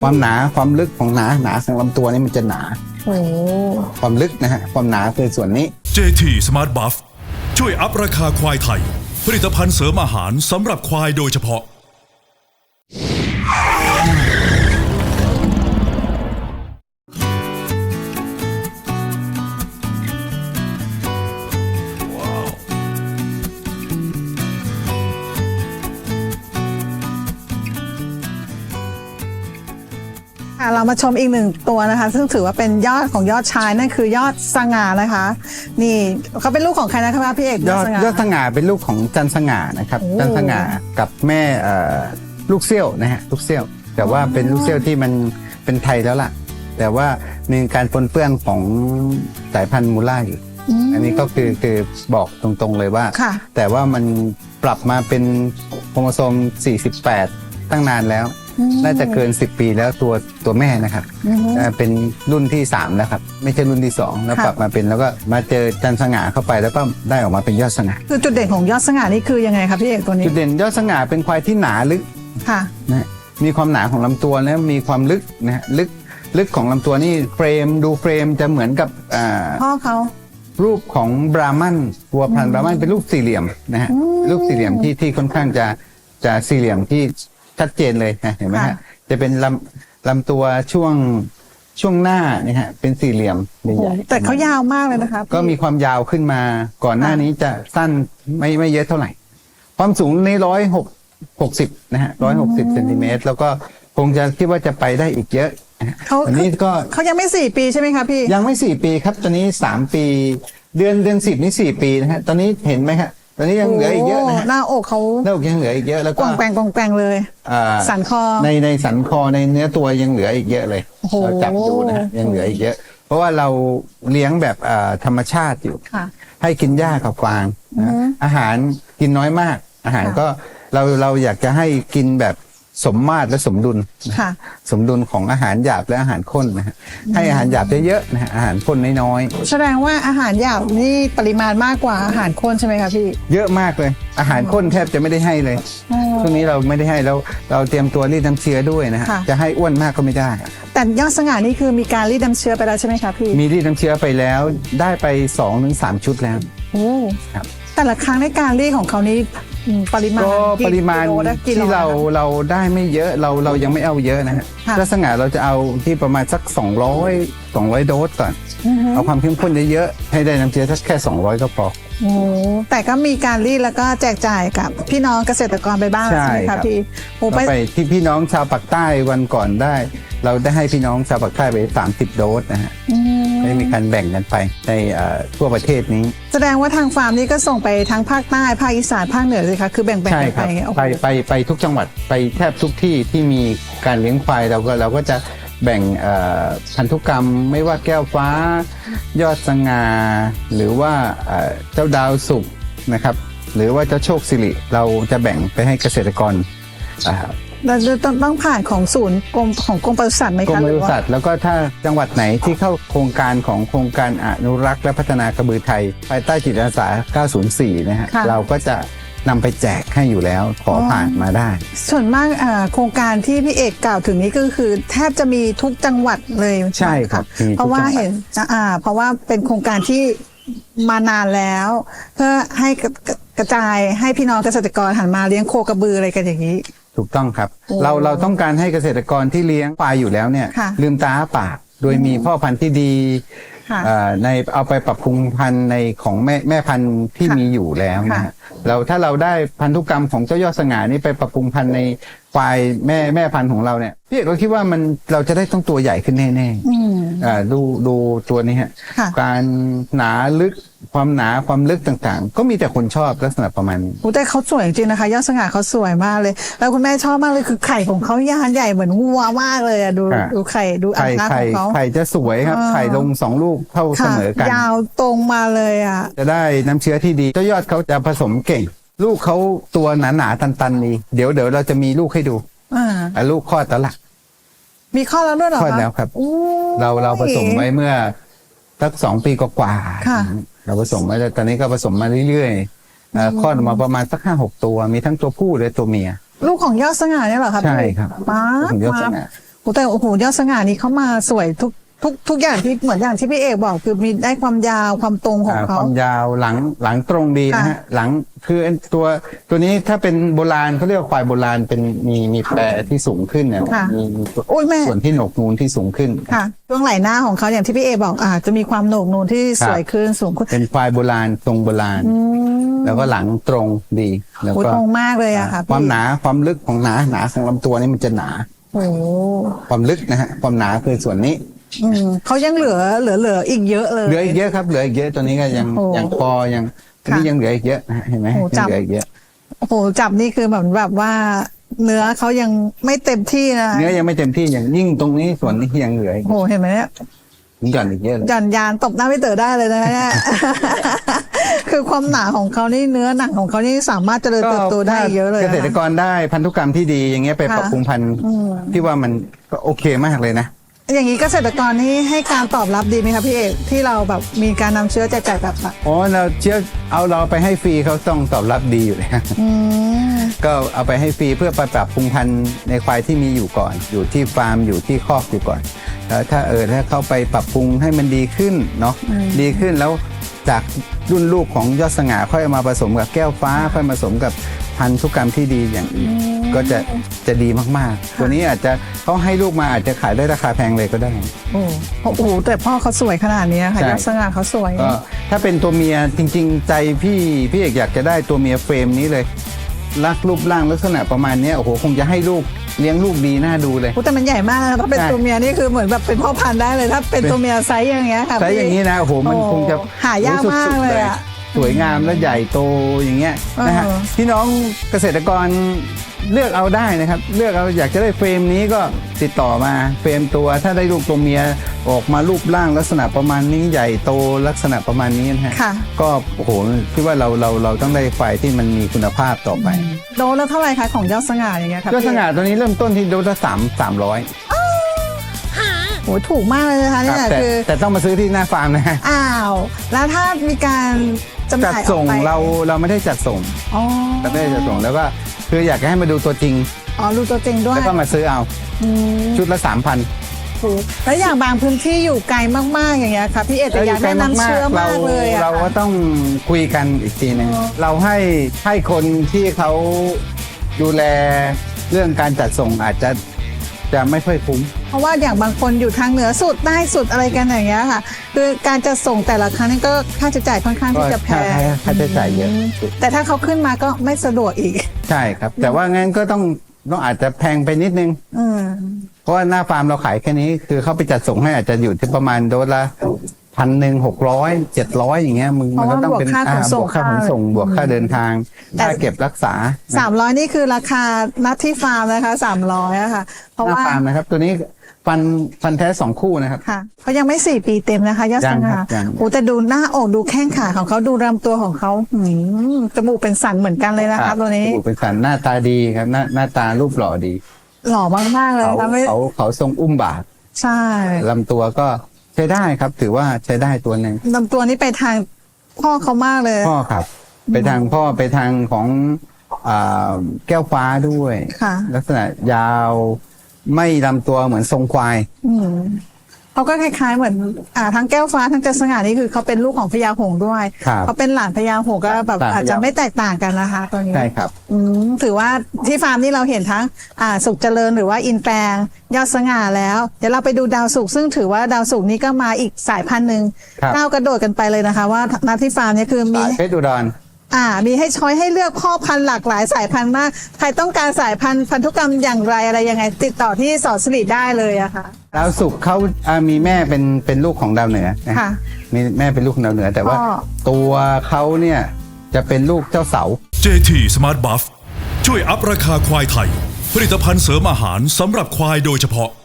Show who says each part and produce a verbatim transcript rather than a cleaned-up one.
Speaker 1: ความหนาความลึกของหนาหนาของลำตัวนี่มันจะหนา
Speaker 2: โอ้
Speaker 1: ความลึกนะฮะความหนาคือส่วนนี้
Speaker 3: เจ ที Smart Buff ช่วยอัพราคาควายไทย ผลิตภัณฑ์เสริมอาหารสำหรับควายโดยเฉพาะ
Speaker 2: เรามาชมอีกหนึ่งตัวนะคะ ซึ่งถือว่าเป็นยอดของยอดชายนั่นคือยอดสง่านะคะ นี่เขาเป็นลูกของใครนะคะพี่เอก
Speaker 1: ยอดยอดสง่าเป็นลูกของจันสง่านะครับ
Speaker 2: โอ้
Speaker 1: จันสง่ากับแม่เอ่อลูกเซี่ยวนะฮะลูกเซี่ยว แต่ว่าเป็นลูกเซี่ยวที่มันเป็นไทยแล้วล่ะ แต่ว่ามีการปนเปื้อนของสายพันธุ์มูล่าอยู่อันนี้ก็คือคือบอกตรงๆเลยว่า
Speaker 2: ค่ะ
Speaker 1: แต่ว่ามันปรับมาเป็นโครโมโซมสี่สิบแปดตั้งนานแล้ว น่าจะเกินสิบปีแล้วตัวตัวแม่นะครับอ่าเป็นรุ่นที่สามแล้วครับไม่ใช่รุ่นที่สองแล้ว
Speaker 2: ค่ะ
Speaker 1: ปรับมาเป็นแล้วก็มาเจอจันสง่าเข้าไปแล้วก็ได้ออกมาเป็นยอดสง่า
Speaker 2: คือจุดเด่นของยอดสง่านี่คือยังไงคะพี่เอกตัวนี้
Speaker 1: จุดเด่นยอดสง่าเป็นควายที่หนาลึก
Speaker 2: ค่ะ
Speaker 1: นะมีความหนาของลำตัวแล้วมีความลึกนะฮะลึกลึกของลำตัวนี่เฟรมดูเฟรมจะเหมือนกับอ่า
Speaker 2: พ่อเขา
Speaker 1: รูปของบราหมันวัวพันธุ์บราหมันเป็นรูปสี่เหลี่ยมนะฮะรูปสี่เหลี่ยมที่ที่ค่อนข้างจะจะสี่เหลี่ยมที่ชัดเจนเลยนะเห็นไหมฮะจะเป็นลำลำตัวช่วงช่วงหน้าเนี่ยฮะเป็นสี่เหลี่ยมใหญ่ๆ
Speaker 2: แต่เขายาวมากเลยนะคะ
Speaker 1: ก็มีความยาวขึ้นมาก่อนหน้านี้จะสั้นไม่ไม่เยอะเท่าไหร่ ความสูงในร้อยหกหกสิบนะฮะร้อยหกสิบเซนติเมตรแล้วก็คงจะคิดว่าจะไปได้อีกเยอะนะฮะ
Speaker 2: เขา
Speaker 1: อันนี้ก็
Speaker 2: เขายังไม่สี่ปีใช่ไหมคะพี่
Speaker 1: ยังไม่สี่ปีครับตอนนี้สามปี เดือนเดือนสิบนี่สี่ปีนะฮะตอนนี้เห็นไหมครับตอนนี้ยังเหลืออีกเยอะนะฮะ
Speaker 2: หน้าอกเขา
Speaker 1: หน้าอกยังเหลืออีกเยอะแล้ว
Speaker 2: ก
Speaker 1: ก็
Speaker 2: วางแปงกวางแปงเลย
Speaker 1: อ่า
Speaker 2: สันคอ
Speaker 1: ในในสันคอในเนื้อตัวยังเหลืออีกเยอะเลย
Speaker 2: โอ้โห
Speaker 1: เราจับดูนะฮะยังเหลืออีกเยอะ เพราะว่าเราเลี้ยงแบบอ่าธรรมชาติอยู่
Speaker 2: ค่ะ
Speaker 1: ให้กินหญ้ากับฟางนะอาหารกินน้อยมาก อาหาร
Speaker 2: ค่ะ
Speaker 1: ก็เราเราอยากจะให้กินแบบสมมาตรและสมดุลนะ
Speaker 2: ค่ะ
Speaker 1: สมดุลของอาหารหยาบและอาหารข้นนะฮะให้อาหารหยาบเยอะๆนะฮะอาหารข้นน้อย
Speaker 2: แสดงว่าอาหารหยาบนี่ปริมาณมากกว่าอาหารข้นใช่ไหมคะพี่
Speaker 1: ๆเยอะมากเลย อาหารข้นแทบจะไม่ได้ให้เลย
Speaker 2: อ๋อ
Speaker 1: ช่วงนี้เราไม่ได้ให้แล้วเราเตรียมตัวรีดน้ำเชื้อด้วยนะฮะ
Speaker 2: ค่ะ
Speaker 1: จะให้อ้วนมากก็ไม่ได้
Speaker 2: แต่ยอดสง่านี่คือมีการรีดน้ำเชื้อไปแล้วใช่ไหมคะพี่
Speaker 1: มีรีดน้ำเชื้อไปแล้วได้ไปสองถึงสามชุดแล้ว
Speaker 2: โอ้
Speaker 1: ครับ
Speaker 2: แต่ละครั้งในการรีดของเขานี่อืมปริมาณ
Speaker 1: ก็
Speaker 2: กี่
Speaker 1: ปริมาณ
Speaker 2: กิโลได้กี่โล
Speaker 1: ที่เรา
Speaker 2: นะคะ
Speaker 1: เราได้ไม่เยอะเราเรายังไม่เอาเยอะนะฮะ
Speaker 2: ค่ะ
Speaker 1: ลักษณะเราจะเอาที่ประมาณสัก สองร้อย สองร้อยโดสก่อน
Speaker 2: อือฮึ
Speaker 1: เอาความเข้มข้นเยอะๆให้ได้น้ำเชื้อสักแค่สองร้อยก็พอ
Speaker 2: โอ้แต่ก็มีการรีดแล้วก็แจกจ่ายกับพี่น้องเกษตรกรไปบ้าง
Speaker 1: ใช่
Speaker 2: ใช่ไหม
Speaker 1: ครั
Speaker 2: คะ
Speaker 1: บ
Speaker 2: พี่โอ้
Speaker 1: เรา
Speaker 2: ไป
Speaker 1: ไปที่พี่น้องชาวปากใต้วันก่อนได้ เราได้ให้พี่น้องชาวปากใต้ไปสามสิบโดสนะฮะ
Speaker 2: อืม
Speaker 1: ได้มีการแบ่งกันไปในเอ่อทั่วประเทศนี้
Speaker 2: แสดงว่าทางฟาร์มนี้ก็ส่งไปทั้งภาคใต้ภาคอีสานภาคเหนือเลยค่ะคือแบ่งๆ
Speaker 1: ใช่
Speaker 2: กัน
Speaker 1: ค
Speaker 2: ไป
Speaker 1: รับ
Speaker 2: อย่างเงี้ยโอ้โห
Speaker 1: ไปไปไปทุกจังหวัดไปแทบทุกที่ที่มีการเลี้ยงควายเราก็เราก็จะแบ่งเอ่อพันธุกรรมไม่ว่าแก้วฟ้า ยอดสง่าหรือว่าเอ่อเจ้าดาวสุกนะครับ หรือว่าเจ้าโชคสิริเราจะแบ่งไปให้เกษตรกรอ่า
Speaker 2: เราต้องต้องผ่านของศูนย์กรมของกรมปศุสัตว์ไหม
Speaker 1: กร
Speaker 2: คะ
Speaker 1: ม
Speaker 2: ห
Speaker 1: ป
Speaker 2: รือ
Speaker 1: ศุ
Speaker 2: ว่า
Speaker 1: สัตว์แล้วก็ถ้าจังหวัดไหนที่เข้าโครงการของโครงการอนุรักษ์และพัฒนากระบือไทย ภายใต้จิตอาสาเก้าศูนย์สี่นะฮะ
Speaker 2: ค่ะ
Speaker 1: เราก็จะนำไปแจกให้อยู่แล้วขอผ่านมาได้
Speaker 2: ส่วนมากอ่าโครงการที่พี่เอกกล่าวถึงนี้ก็คือแทบจะมีทุกจังหวัดเลย
Speaker 1: ใช่ครับมีทุก
Speaker 2: เพราะว่า
Speaker 1: จังหวัด
Speaker 2: เห็นอ่าเพราะว่าเป็นโครงการที่มานานแล้ว เพื่อให้กระกระจายให้พี่น้องเกษตรกรหันมาเลี้ยงโคกระบืออะไรกันอย่างนี้
Speaker 1: ถูกต้องครับ
Speaker 2: โอ้
Speaker 1: เราเราต้องการให้เกษตรกรที่เลี้ยงควายอยู่แล้วเนี่ย
Speaker 2: ค่ะ
Speaker 1: ลืมตาอ้าปากโดยมีพ่อพันธุ์ที่ดี
Speaker 2: ค่ะ
Speaker 1: เอ่อในเอาไปปรับปรุงพันธุ์ในของแม่แม่พันธุ์ที่
Speaker 2: ค่ะ
Speaker 1: มีอยู่แล้วนะ
Speaker 2: ค่ะ
Speaker 1: ฮะเราถ้าเราได้พันธุกรรมของเจ้ายอดสง่านี่ไปปรับปรุงพันธุ์ในควายแม่แม่พันธุ์ของเราเนี่ยพี่เอกก็คิดว่ามันเราจะได้ต้องตัวใหญ่ขึ้นแน่ๆ
Speaker 2: อืม
Speaker 1: อ่าดูดูตัวนี้ฮะ
Speaker 2: ค่ะ
Speaker 1: การหนาลึกความหนาความลึกต่างๆ ก็มีแต่คนชอบลักษณะประมาณนี้
Speaker 2: โอ้แต่เขาสวยจริงๆนะคะ ยอดสง่าเขาสวยมากเลย แล้วคุณแม่ชอบมากเลยคือไข่ของเขายานใหญ่เหมือนวัวมากเลยอะดู
Speaker 1: อ่ะ
Speaker 2: ดูไข่ดูอั
Speaker 1: ไข่
Speaker 2: นหน้าข
Speaker 1: ไข่
Speaker 2: องเขา
Speaker 1: ไข่จะสวยครับ
Speaker 2: อ่า
Speaker 1: ไข่ลงสองลูกเท่าเส
Speaker 2: ค่ะ
Speaker 1: มอกัน
Speaker 2: ยาวตรงมาเลยอ่ะ
Speaker 1: จะได้น้ำเชื้อที่ดีเจ้ายอดเขาจะผสมเก่ง ลูกเขาตัวหนาหนาๆตันๆนี่เดี๋ยวเดี๋ยวเราจะมีลูกให้ดู
Speaker 2: อ่า
Speaker 1: อ่ะลูกคลอดแล้วล่ะ
Speaker 2: มีข้อแล้วด้วยเหรอ
Speaker 1: คลอด
Speaker 2: คะ
Speaker 1: แล้วครับ
Speaker 2: โอ้ย
Speaker 1: เราเราผสมไว้เมื่อสักสองปีกว่าๆ
Speaker 2: ค่ะ
Speaker 1: เราผสมไว้แล้วตอนนี้ก็ผสมมาเรื่อยๆเอ่อคลอดออกมาประมาณสักห้าหกตัวมีทั้งตัวผู้และตัวเมีย
Speaker 2: ลูกของยอดสง่าเนี่ยเหรอครับ
Speaker 1: ใช่ครับ
Speaker 2: ป้า
Speaker 1: ลูกของยอดส
Speaker 2: มา
Speaker 1: ง่า
Speaker 2: โอ้แต่โอ้โหยอดสง่านี้เขามาสวยทุกทุกทุกอย่างที่เหมือนอย่างที่พี่เอกบอกคือมีได้ความยาวความตรงของ
Speaker 1: อ่าค
Speaker 2: เขา
Speaker 1: วามยาวหลังหลังตรงดีนะฮะ
Speaker 2: ค่ะ
Speaker 1: หลังคือไอ้ตัวตัวนี้ถ้าเป็นโบราณเขาเรียกว่าควายโบราณเป็นมีมีแปรที่สูงขึ้นเนี่ย
Speaker 2: ค่ะ
Speaker 1: มีมี
Speaker 2: โอ้ยแม่
Speaker 1: ส่วนที่โหนกนูนที่สูงขึ้น
Speaker 2: ค่ะช่วงไหล่หน้าของเขาอย่างที่พี่เอกบอกอ่าจะมีความโหนกนูนที่สวยขึ้นสูงขึ้น
Speaker 1: เป็นควายโบราณทรงโบราณ แล้วก็หลังตรงดีแล้ว
Speaker 2: โอ้ย
Speaker 1: ก็
Speaker 2: ตรงมากเลยอะค่ะ
Speaker 1: ความ
Speaker 2: พี่
Speaker 1: หนาความลึกของหนาหนาของลำตัวนี่มันจะหนา
Speaker 2: โอ้โห
Speaker 1: ความลึกนะฮะความหนาคือส่วนนี้
Speaker 2: อืมเขายังเหลือเหลือเหลืออีกเยอะเลย
Speaker 1: เหลืออีกเยอะครับเหลืออีกเยอะตัวนี้ก็ยัง
Speaker 2: โอ้
Speaker 1: ยังคอยังอัน
Speaker 2: ค่ะ
Speaker 1: นี้ยังเหลืออีกเยอะนะฮะเห็นไหม
Speaker 2: โอ้
Speaker 1: ยัง
Speaker 2: จับ
Speaker 1: เหลืออีกเยอะ
Speaker 2: โอ้โหจับนี่คือแบบแบบว่า เนื้อเขายังไม่เต็มที่นะ
Speaker 1: เนื้อยังไม่เต็มที่อย่างยิ่งตรงนี้ส่วนนี้ยังเหลืออีก
Speaker 2: โอ้โหเห็นไหมเนี่ย
Speaker 1: หย่อนอีกเยอะเลย
Speaker 2: หย่อนยานตบหน้าพี่เต๋อได้เลยนะเนี่ย คือความหนาของเขานี่เนื้อหนังของเขานี่สามารถเจริญเติบโตได้เยอะเลย
Speaker 1: เก
Speaker 2: นะ
Speaker 1: ษตรก
Speaker 2: คะ
Speaker 1: รได้พันธุกรรมที่ดีอย่างเงี้ยไป
Speaker 2: ค่ะ
Speaker 1: ปรับปรุงพันธุ์
Speaker 2: อืม
Speaker 1: ที่ว่ามันก็โอเคมากเลยนะ
Speaker 2: อย่างนี้เกษตรกรนี่ให้การตอบรับดีไหมคะพี่เอกที่เราแบบมีการนำเชื้อแจกจ่ายแบบอะ
Speaker 1: อ๋อเราเชื่อเอาเราไปให้ฟรีเขาต้องตอบรับดีอยู่เลย
Speaker 2: อืม
Speaker 1: ก็เอาไปให้ฟรีเพื่อไปปรับปรุงพันธุ์ในควายที่มีอยู่ก่อน อยู่ที่ฟาร์มอยู่ที่คอกอยู่ก่อนแล้วถ้าเออถ้าเขาไปปรับปรุงให้มันดีขึ้นเนาะดีขึ้นแล้วจากรุ่นลูกของยอดสง่าค่อยเอามาผสมกับแก้วฟ้าค่อยมาผสมกับพันธุกรรมที่ดีอย่างอื่นก็จะจะดีมากๆ ตัวนี้อาจจะเขาให้ลูกมาอาจจะขายได้ราคาแพงเลยก็ได้
Speaker 2: โอ้โอ้โหแต่พ่อเขาสวยขนาดนี้ค่ะ
Speaker 1: ใช่
Speaker 2: ยอดสง่าเขาสวย
Speaker 1: ก็ถ้าเป็นตัวเมียจริง ๆ ใจพี่พี่เอกอยากจะได้ตัวเมียเฟรมนี้เลยลักรูปร่างลักษณะประมาณเนี้ยโอ้โหคงจะให้ลูกเลี้ยงลูกดีน่าดูเลย
Speaker 2: โอ้แต่มันใหญ่มากนะถ้าเป็น
Speaker 1: ใช่
Speaker 2: ตัวเมียนี่คือเหมือนแบบเป็นพ่อพันธุ์ได้เลย ถ้าเป็นตัวเมียไซส์อย่างเงี้ยค่ะ
Speaker 1: ใช้อย่างนี้นะโอ้โหมัน
Speaker 2: โอ้
Speaker 1: คงจะ
Speaker 2: หายากมากเลยอะ
Speaker 1: สวยงามและใหญ่โตอย่างเงี้ยนะฮะ
Speaker 2: เออ
Speaker 1: พี่น้องเกษตรกรเลือกเอาได้นะครับ เลือกเอาอยากจะได้เฟรมนี้ก็ติดต่อมาเฟรมตัวถ้าได้ลูกตัวเมียออกมารูปร่างลักษณะประมาณนี้ใหญ่โตลักษณะประมาณนี้นะฮะ
Speaker 2: ค่ะ
Speaker 1: ก็โอ้โหคิดว่าเราเราเราต้องได้ควายที่มันมีคุณภาพต่อไป
Speaker 2: โดนแล้วเท่าไหร่คะของยอดสง่าอย่างเงี้ยค่ะ
Speaker 1: ยอดสง่าตัวนี้เริ่มต้นที่โดสละสามสามร้อย
Speaker 2: โอ้ถูกมากเลยนะคะเนี่ย
Speaker 1: แต่
Speaker 2: คือ
Speaker 1: แต่ต้องมาซื้อที่หน้าฟาร์มนะฮะ
Speaker 2: อ้าวแล้วถ้ามีการจำห
Speaker 1: จัด
Speaker 2: น่ายอ
Speaker 1: ส่
Speaker 2: อก
Speaker 1: ง
Speaker 2: ไป
Speaker 1: เราเราไม่ได้จัดส่ง
Speaker 2: อ๋อ
Speaker 1: เราไม่ได้จัดส่งแล้วก็คืออยากจะให้มาดูตัวจริง
Speaker 2: อ๋อรู้ตัวจริงด้วย
Speaker 1: แล้วก็มาซื้อเอา
Speaker 2: อืม
Speaker 1: ชุดละสามพัน
Speaker 2: ถูกแล้วอย่างบางพื้นที่อยู่ไกลมากๆอย่างเงี้ยค่ะพี่เอกแต่อยากได้น้ำเชื่อมากเลยอะ
Speaker 1: เราก็
Speaker 2: ค่ะ
Speaker 1: ต้องคุยกันอีกทีหนึง
Speaker 2: อ๋อ
Speaker 1: เราให้ให้คนที่เขาดูแลเรื่องการจัดส่งอาจจะจะไม่ค่อยคุ้ม
Speaker 2: เพราะว่าอย่างบางคนอยู่ทางเหนือสุดใต้สุดอะไรกันอย่างเงี้ยค่ะ คือการจะส่งแต่ละครั้งนี่ก็ค่าใช้จ่ายค่อนข้างที่จะแพง
Speaker 1: ก็ค่าค่าใช้จ่ายเยอะ
Speaker 2: แต่ถ้าเขาขึ้นมาก็ไม่สะดวกอีก
Speaker 1: ใช่ครับ แต่ว่างั้นก็ต้องต้องอาจจะแพงไปนิดนึง
Speaker 2: อืม
Speaker 1: เพราะว่าหน้าฟาร์มเราขายแค่นี้ คือเขาไปจัดส่งให้อาจจะอยู่ที่ประมาณโดสละพันหนึ่งหกร้อยเจ็ดร้อยอย่างเงี้ยมึงมันก็ต้องเป็น
Speaker 2: เพราะว่าบวกค่าขนส่ง
Speaker 1: บวกค่าขนส่งบวกค่าเดินทาง
Speaker 2: แต่
Speaker 1: ค่าเก็บรักษา
Speaker 2: สามร้อยนี่คือราคานัดที่ฟาร์มนะคะสามร้อยอะค่ะ เพราะ
Speaker 1: หน้า
Speaker 2: ว่า
Speaker 1: ฟาร์มนะครับ ตัวนี้ฟันฟันแท้สองคู่นะครับ
Speaker 2: ค่ะเขายังไม่สี่ปีเต็มนะคะยอดส
Speaker 1: ยังค
Speaker 2: ง่า
Speaker 1: รับยัง
Speaker 2: โอ้แต่ดูหน้าอกดูแข้งขาของเขาดูลำตัวของเขาหืมจมูกเป็นสันเหมือนกันเลยนะคะตัวนี้
Speaker 1: จมูกเป็นสันหน้าตาดีครับหน้าหน้าตารูปหล่อดี
Speaker 2: หล่อมากๆเลย
Speaker 1: เขา
Speaker 2: ค่ะไม่
Speaker 1: เขาเขาทรงอุ้มบาท
Speaker 2: ใช่
Speaker 1: ลำตัวก็ใช้ได้ครับ ถือว่าใช้ได้ตัวหนึ่ง
Speaker 2: ลำตัวนี้ไปทางพ่อเขามากเลย
Speaker 1: พ่อครับ ไปทางพ่อไปทางของอ่าแก้วฟ้าด้วย
Speaker 2: ค่ะ
Speaker 1: ลักษณะยาวไม่ลำตัวเหมือนทรงควาย
Speaker 2: อืมเขาก็คล้ายๆเหมือนอ่าทั้งแก้วฟ้าทั้งจัสง่านี่คือเขาเป็นลูกของพญาหงส์ด้วย
Speaker 1: ครับ
Speaker 2: เขาเป็นหลานพญาหงส์ก็แบบ
Speaker 1: หลานพญา
Speaker 2: อาจจะไม่แตกต่างกันนะคะตัวนี้
Speaker 1: ใช่ครับ
Speaker 2: อืมถือว่าที่ฟาร์มนี่เราเห็นทั้งอ่าสุขเจริญหรือว่าอินแปลงยอดสง่าแล้ว เดี๋ยวเราไปดูดาวสุขซึ่งถือว่าดาวสุขนี้ก็มาอีกสายพันธุ์หนึ่ง
Speaker 1: ครับ
Speaker 2: ก้าวกระโดดกันไปเลยนะคะ ว่าณที่ฟาร์มเนี่ยคือมี
Speaker 1: สายเพชรอุดร
Speaker 2: อ่ามีให้ช้อยให้เลือกพ่อพันธุ์หลากหลายสายพันธุ์มากใครต้องการสายพันธุ์พันธุกรรมอย่างไรอะไรยังไง ติดต่อที่สอนสิริได้เลยอะค่ะ
Speaker 1: ดาวสุกร์เขาอ่ามีแม่เป็นเป็นลูกของดาวเหนือนะ
Speaker 2: ค่ะ
Speaker 1: มีแม่เป็นลูกของดาวเหนือ แต่ว่า
Speaker 2: พ่อ
Speaker 1: ตัวเขาเนี่ยจะเป็นลูกเจ้าเสา
Speaker 3: เจ ที Smart Buff ช่วยอัพราคาควายไทย ผลิตภัณฑ์เสริมอาหารสำหรับควายโดยเฉพาะ